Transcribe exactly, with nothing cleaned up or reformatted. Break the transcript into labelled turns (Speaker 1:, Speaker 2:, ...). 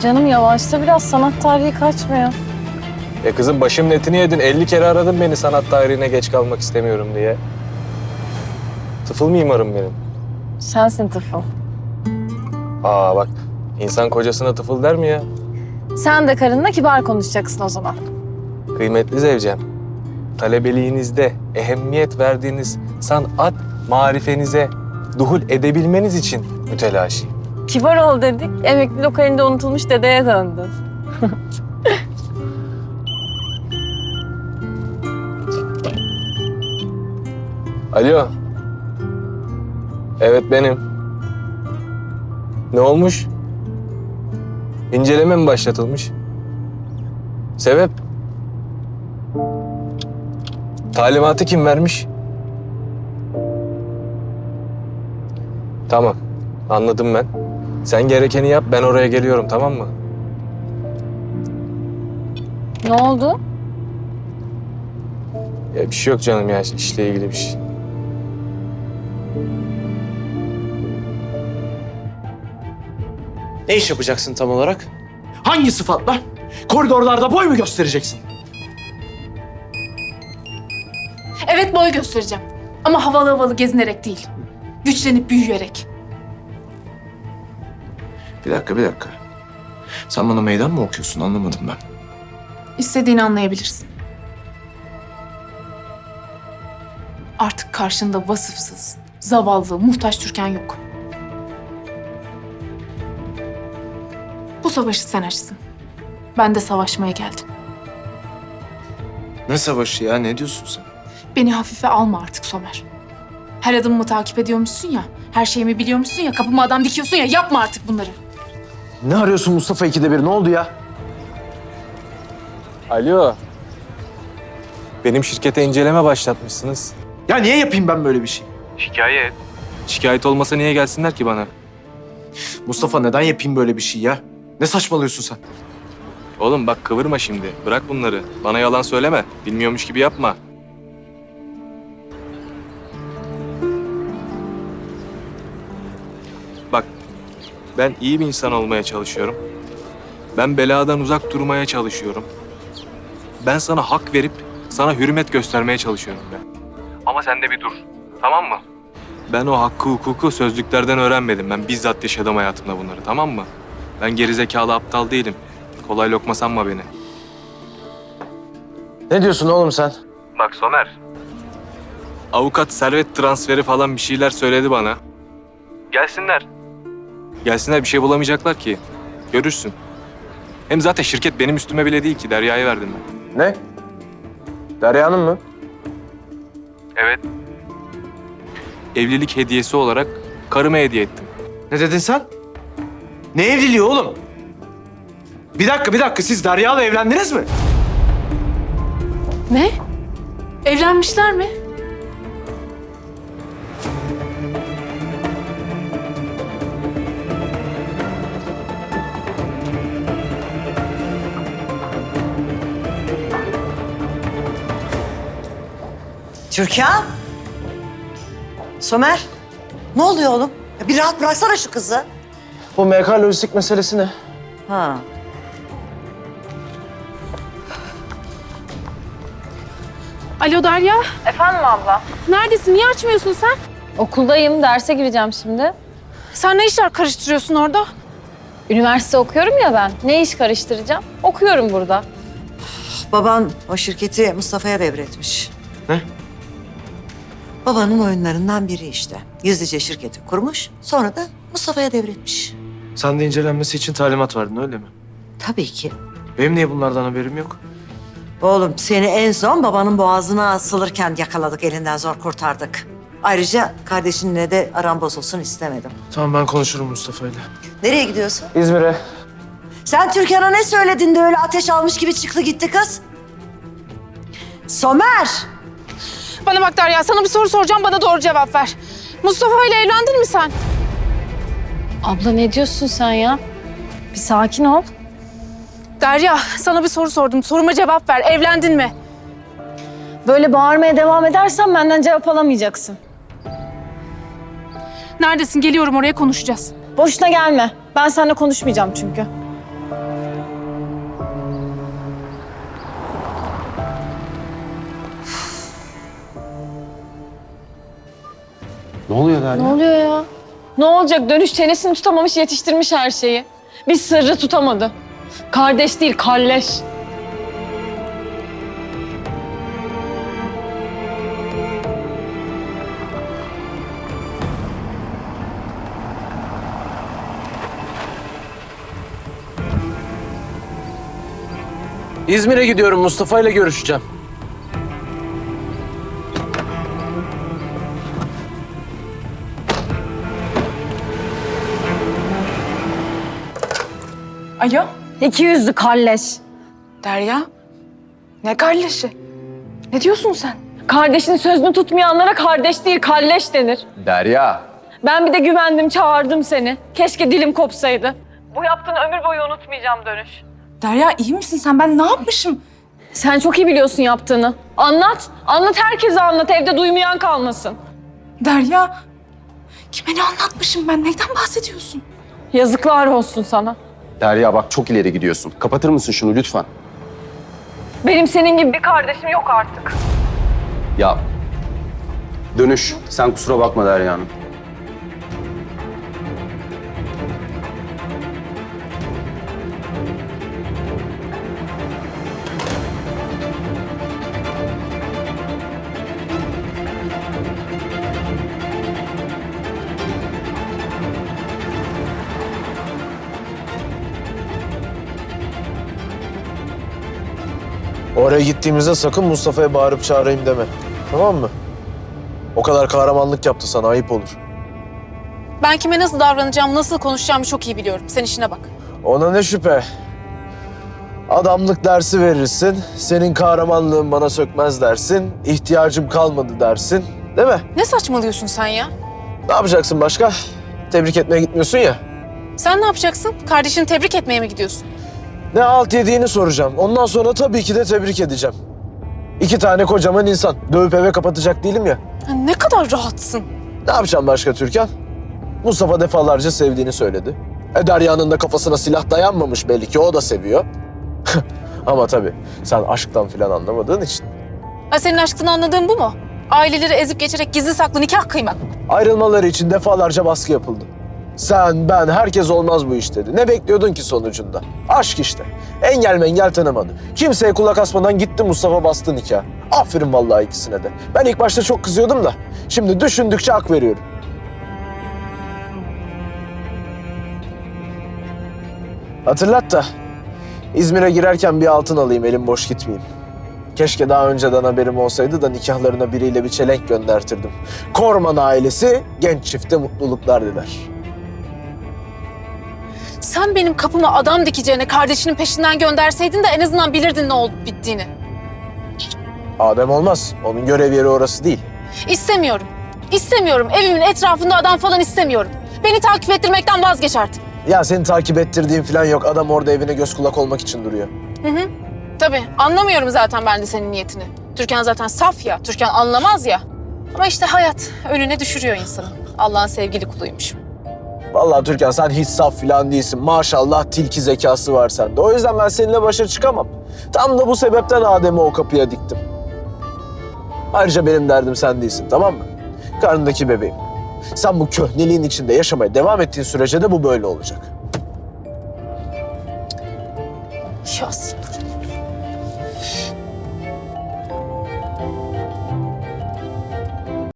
Speaker 1: Canım yavaşta biraz, sanat tarihi kaçmıyor.
Speaker 2: E kızım başımın etini yedin. elli kere aradın beni sanat tarihine geç kalmak istemiyorum diye. Tıfıl mimarım benim.
Speaker 1: Sensin tıfıl.
Speaker 2: Aa bak, insan kocasına tıfıl der mi ya?
Speaker 1: Sen de karınla kibar konuşacaksın o zaman.
Speaker 2: Kıymetli zevcem, talebeliğinizde ehemmiyet verdiğiniz sanat marifenize duhul edebilmeniz için mütelaşiyim.
Speaker 1: Kibar ol dedik, emekli lokalinde unutulmuş dedeye döndün.
Speaker 2: Alo. Evet benim. Ne olmuş? İnceleme mi başlatılmış? Sebep? Talimatı kim vermiş? Tamam. Anladım ben. Sen gerekeni yap, ben oraya geliyorum, tamam mı?
Speaker 1: Ne oldu?
Speaker 2: Ya bir şey yok canım ya, işle ilgili bir şey.
Speaker 3: Ne iş yapacaksın tam olarak? Hangi sıfatla? Koridorlarda boy mu göstereceksin?
Speaker 4: Evet, boy göstereceğim. Ama havalı havalı gezinerek değil. Güçlenip büyüyerek.
Speaker 3: Bir dakika, bir dakika. Sen bana meydan mı okuyorsun? Anlamadım ben.
Speaker 4: İstediğini anlayabilirsin. Artık karşında vasıfsız, zavallı, muhtaç Türkan yok. Bu savaşı sen açtın. Ben de savaşmaya geldim.
Speaker 3: Ne savaşı ya? Ne diyorsun sen?
Speaker 4: Beni hafife alma artık Somer. Her adımımı takip ediyormuşsun ya, her şeyimi biliyormuşsun ya, kapıma adam dikiyorsun ya, yapma artık bunları.
Speaker 3: Ne arıyorsun Mustafa ikide bir? Ne oldu ya?
Speaker 2: Alo. Benim şirkete inceleme başlatmışsınız.
Speaker 3: Ya niye yapayım ben böyle bir şey?
Speaker 2: Şikayet. Şikayet olmasa niye gelsinler ki bana?
Speaker 3: Mustafa neden yapayım böyle bir şey ya? Ne saçmalıyorsun sen?
Speaker 2: Oğlum bak kıvırma şimdi. Bırak bunları. Bana yalan söyleme. Bilmiyormuş gibi yapma. Bak, ben iyi bir insan olmaya çalışıyorum. Ben beladan uzak durmaya çalışıyorum. Ben sana hak verip sana hürmet göstermeye çalışıyorum ben. Ama sen de bir dur. Tamam mı? Ben o hakkı hukuku sözlüklerden öğrenmedim. Ben bizzat yaşadım hayatımda bunları, tamam mı? Ben gerizekalı aptal değilim. Kolay lokma sanma beni.
Speaker 3: Ne diyorsun oğlum sen?
Speaker 2: Bak Somer. Avukat servet transferi falan bir şeyler söyledi bana. Gelsinler. Gelsinler, bir şey bulamayacaklar ki. Görürsün. Hem zaten şirket benim üstüme bile değil ki. Derya'ya verdim ben.
Speaker 3: Ne? Derya'nın mı?
Speaker 2: Evet. Evlilik hediyesi olarak karıma hediye ettim.
Speaker 3: Ne dedin sen? Ne evliliği oğlum? Bir dakika, bir dakika. Siz Derya'la evlendiniz mi?
Speaker 4: Ne? Evlenmişler mi?
Speaker 5: Türkan? Somer? Ne oluyor oğlum? Ya bir rahat bıraksana şu kızı.
Speaker 3: Bu M K lojistik meselesi ne?
Speaker 5: Ha.
Speaker 4: Alo Derya,
Speaker 1: Efendim abla?
Speaker 4: neredesin? Niye açmıyorsun sen?
Speaker 1: Okuldayım, derse gireceğim şimdi.
Speaker 4: Sen ne işler karıştırıyorsun orada?
Speaker 1: Üniversite okuyorum ya ben. Ne iş karıştıracağım? Okuyorum burada.
Speaker 5: Baban o şirketi Mustafa'ya devretmiş.
Speaker 3: Ne?
Speaker 5: Babanın oyunlarından biri işte. Gizlice şirketi kurmuş, sonra da Mustafa'ya devretmiş.
Speaker 3: Sen de incelenmesi için talimat verdin öyle mi?
Speaker 5: Tabii ki.
Speaker 3: Benim niye bunlardan haberim yok?
Speaker 5: Oğlum seni en son babanın boğazına asılırken yakaladık, elinden zor kurtardık. Ayrıca kardeşinle de aran bozulsun istemedim.
Speaker 3: Tamam, ben konuşurum Mustafa'yla.
Speaker 5: Nereye gidiyorsun?
Speaker 3: İzmir'e.
Speaker 5: Sen Türkan'a ne söyledin de öyle ateş almış gibi çıktı gitti kız? Somer!
Speaker 4: Bana bak Derya, sana bir soru soracağım, bana doğru cevap ver. Mustafa ile evlendin mi sen?
Speaker 1: Abla ne diyorsun sen ya? Bir sakin ol.
Speaker 4: Derya, sana bir soru sordum. Soruma cevap ver. Evlendin mi?
Speaker 1: Böyle bağırmaya devam edersen benden cevap alamayacaksın.
Speaker 4: Neredesin? Geliyorum, oraya konuşacağız.
Speaker 1: Boşuna gelme. Ben seninle konuşmayacağım çünkü.
Speaker 3: oluyor Derya?
Speaker 1: Ne oluyor ya? Ne olacak? Dönüş çenesini tutamamış, yetiştirmiş her şeyi. Bir sırrı tutamadı. Kardeş değil, kalleş.
Speaker 6: İzmir'e gidiyorum. Mustafa ile görüşeceğim.
Speaker 4: Alo
Speaker 1: İki yüzlü kalleş.
Speaker 4: Derya. Ne kardeşi? Ne diyorsun sen?
Speaker 1: Kardeşinin sözünü tutmayanlara kardeş değil, kalleş denir.
Speaker 3: Derya.
Speaker 1: Ben bir de güvendim, çağırdım seni. Keşke dilim kopsaydı. Bu yaptığını ömür boyu unutmayacağım Dönüş.
Speaker 4: Derya iyi misin sen? Ben ne yapmışım?
Speaker 1: Sen çok iyi biliyorsun yaptığını. Anlat, anlat herkese anlat. Evde duymayan kalmasın.
Speaker 4: Derya. Kime ne anlatmışım ben? Neyden bahsediyorsun?
Speaker 1: Yazıklar olsun sana.
Speaker 7: Derya bak çok ileri gidiyorsun. Kapatır mısın şunu lütfen?
Speaker 1: Benim senin gibi bir kardeşim yok artık.
Speaker 7: Ya Dönüş, sen kusura bakma Derya Hanım.
Speaker 8: Oraya gittiğimizde sakın Mustafa'ya bağırıp çağırayım deme. Tamam mı? O kadar kahramanlık yaptı sana, ayıp olur.
Speaker 9: Ben kime nasıl davranacağım, nasıl konuşacağımı çok iyi biliyorum. Sen işine bak.
Speaker 8: Ona ne şüphe. Adamlık dersi verirsin, senin kahramanlığın bana sökmez dersin, ihtiyacım kalmadı dersin. Değil mi?
Speaker 9: Ne saçmalıyorsun sen ya?
Speaker 8: Ne yapacaksın başka? Tebrik etmeye gitmiyorsun ya.
Speaker 9: Sen ne yapacaksın? Kardeşini tebrik etmeye mi gidiyorsun?
Speaker 8: Ne alt yediğini soracağım. Ondan sonra tabii ki de tebrik edeceğim. İki tane kocaman insan. Dövüp eve kapatacak değilim ya.
Speaker 9: Ya ne kadar rahatsın.
Speaker 8: Ne yapacağım başka Türkan? Mustafa defalarca sevdiğini söyledi. E Derya'nın da kafasına silah dayanmamış belli ki, o da seviyor. Ama tabii sen aşktan falan anlamadığın için.
Speaker 9: Ha, senin aşktan anladığın bu mu? Aileleri ezip geçerek gizli saklı nikah kıymak.
Speaker 8: Ayrılmaları için defalarca baskı yapıldı. Sen, ben, herkes olmaz bu iş dedi. Ne bekliyordun ki sonucunda? Aşk işte. Engel mengel tanımadı. Kimseye kulak asmadan gitti Mustafa, bastı nikah. Aferin vallahi ikisine de. Ben ilk başta çok kızıyordum da şimdi düşündükçe hak veriyorum. Hatırlat da İzmir'e girerken bir altın alayım, elim boş gitmeyeyim. Keşke daha önceden haberim olsaydı da nikahlarına biriyle bir çelenk göndertirdim. Korman ailesi genç çifte mutluluklar diler.
Speaker 9: Sen benim kapıma adam dikeceğine kardeşinin peşinden gönderseydin de en azından bilirdin ne olup bittiğini.
Speaker 8: Adem olmaz. Onun görev yeri orası değil.
Speaker 9: İstemiyorum. İstemiyorum. Evimin etrafında adam falan istemiyorum. Beni takip ettirmekten vazgeç artık.
Speaker 8: Ya seni takip ettirdiğin falan yok. Adam orada evine göz kulak olmak için duruyor.
Speaker 9: Hı hı. Tabii anlamıyorum zaten ben de senin niyetini. Türkan zaten saf ya. Türkan anlamaz ya. Ama işte hayat önüne düşürüyor insanı. Allah'ın sevgili kuluymuşum.
Speaker 8: Vallahi Türkan sen hiç saf falan değilsin. Maşallah tilki zekası var sende. O yüzden ben seninle başa çıkamam. Tam da bu sebepten Adem'i o kapıya diktim. Ayrıca benim derdim sen değilsin, tamam mı? Karnındaki bebeğim. Sen bu köhneliğin içinde yaşamaya devam ettiğin sürece de bu böyle olacak.
Speaker 9: Ya sabır.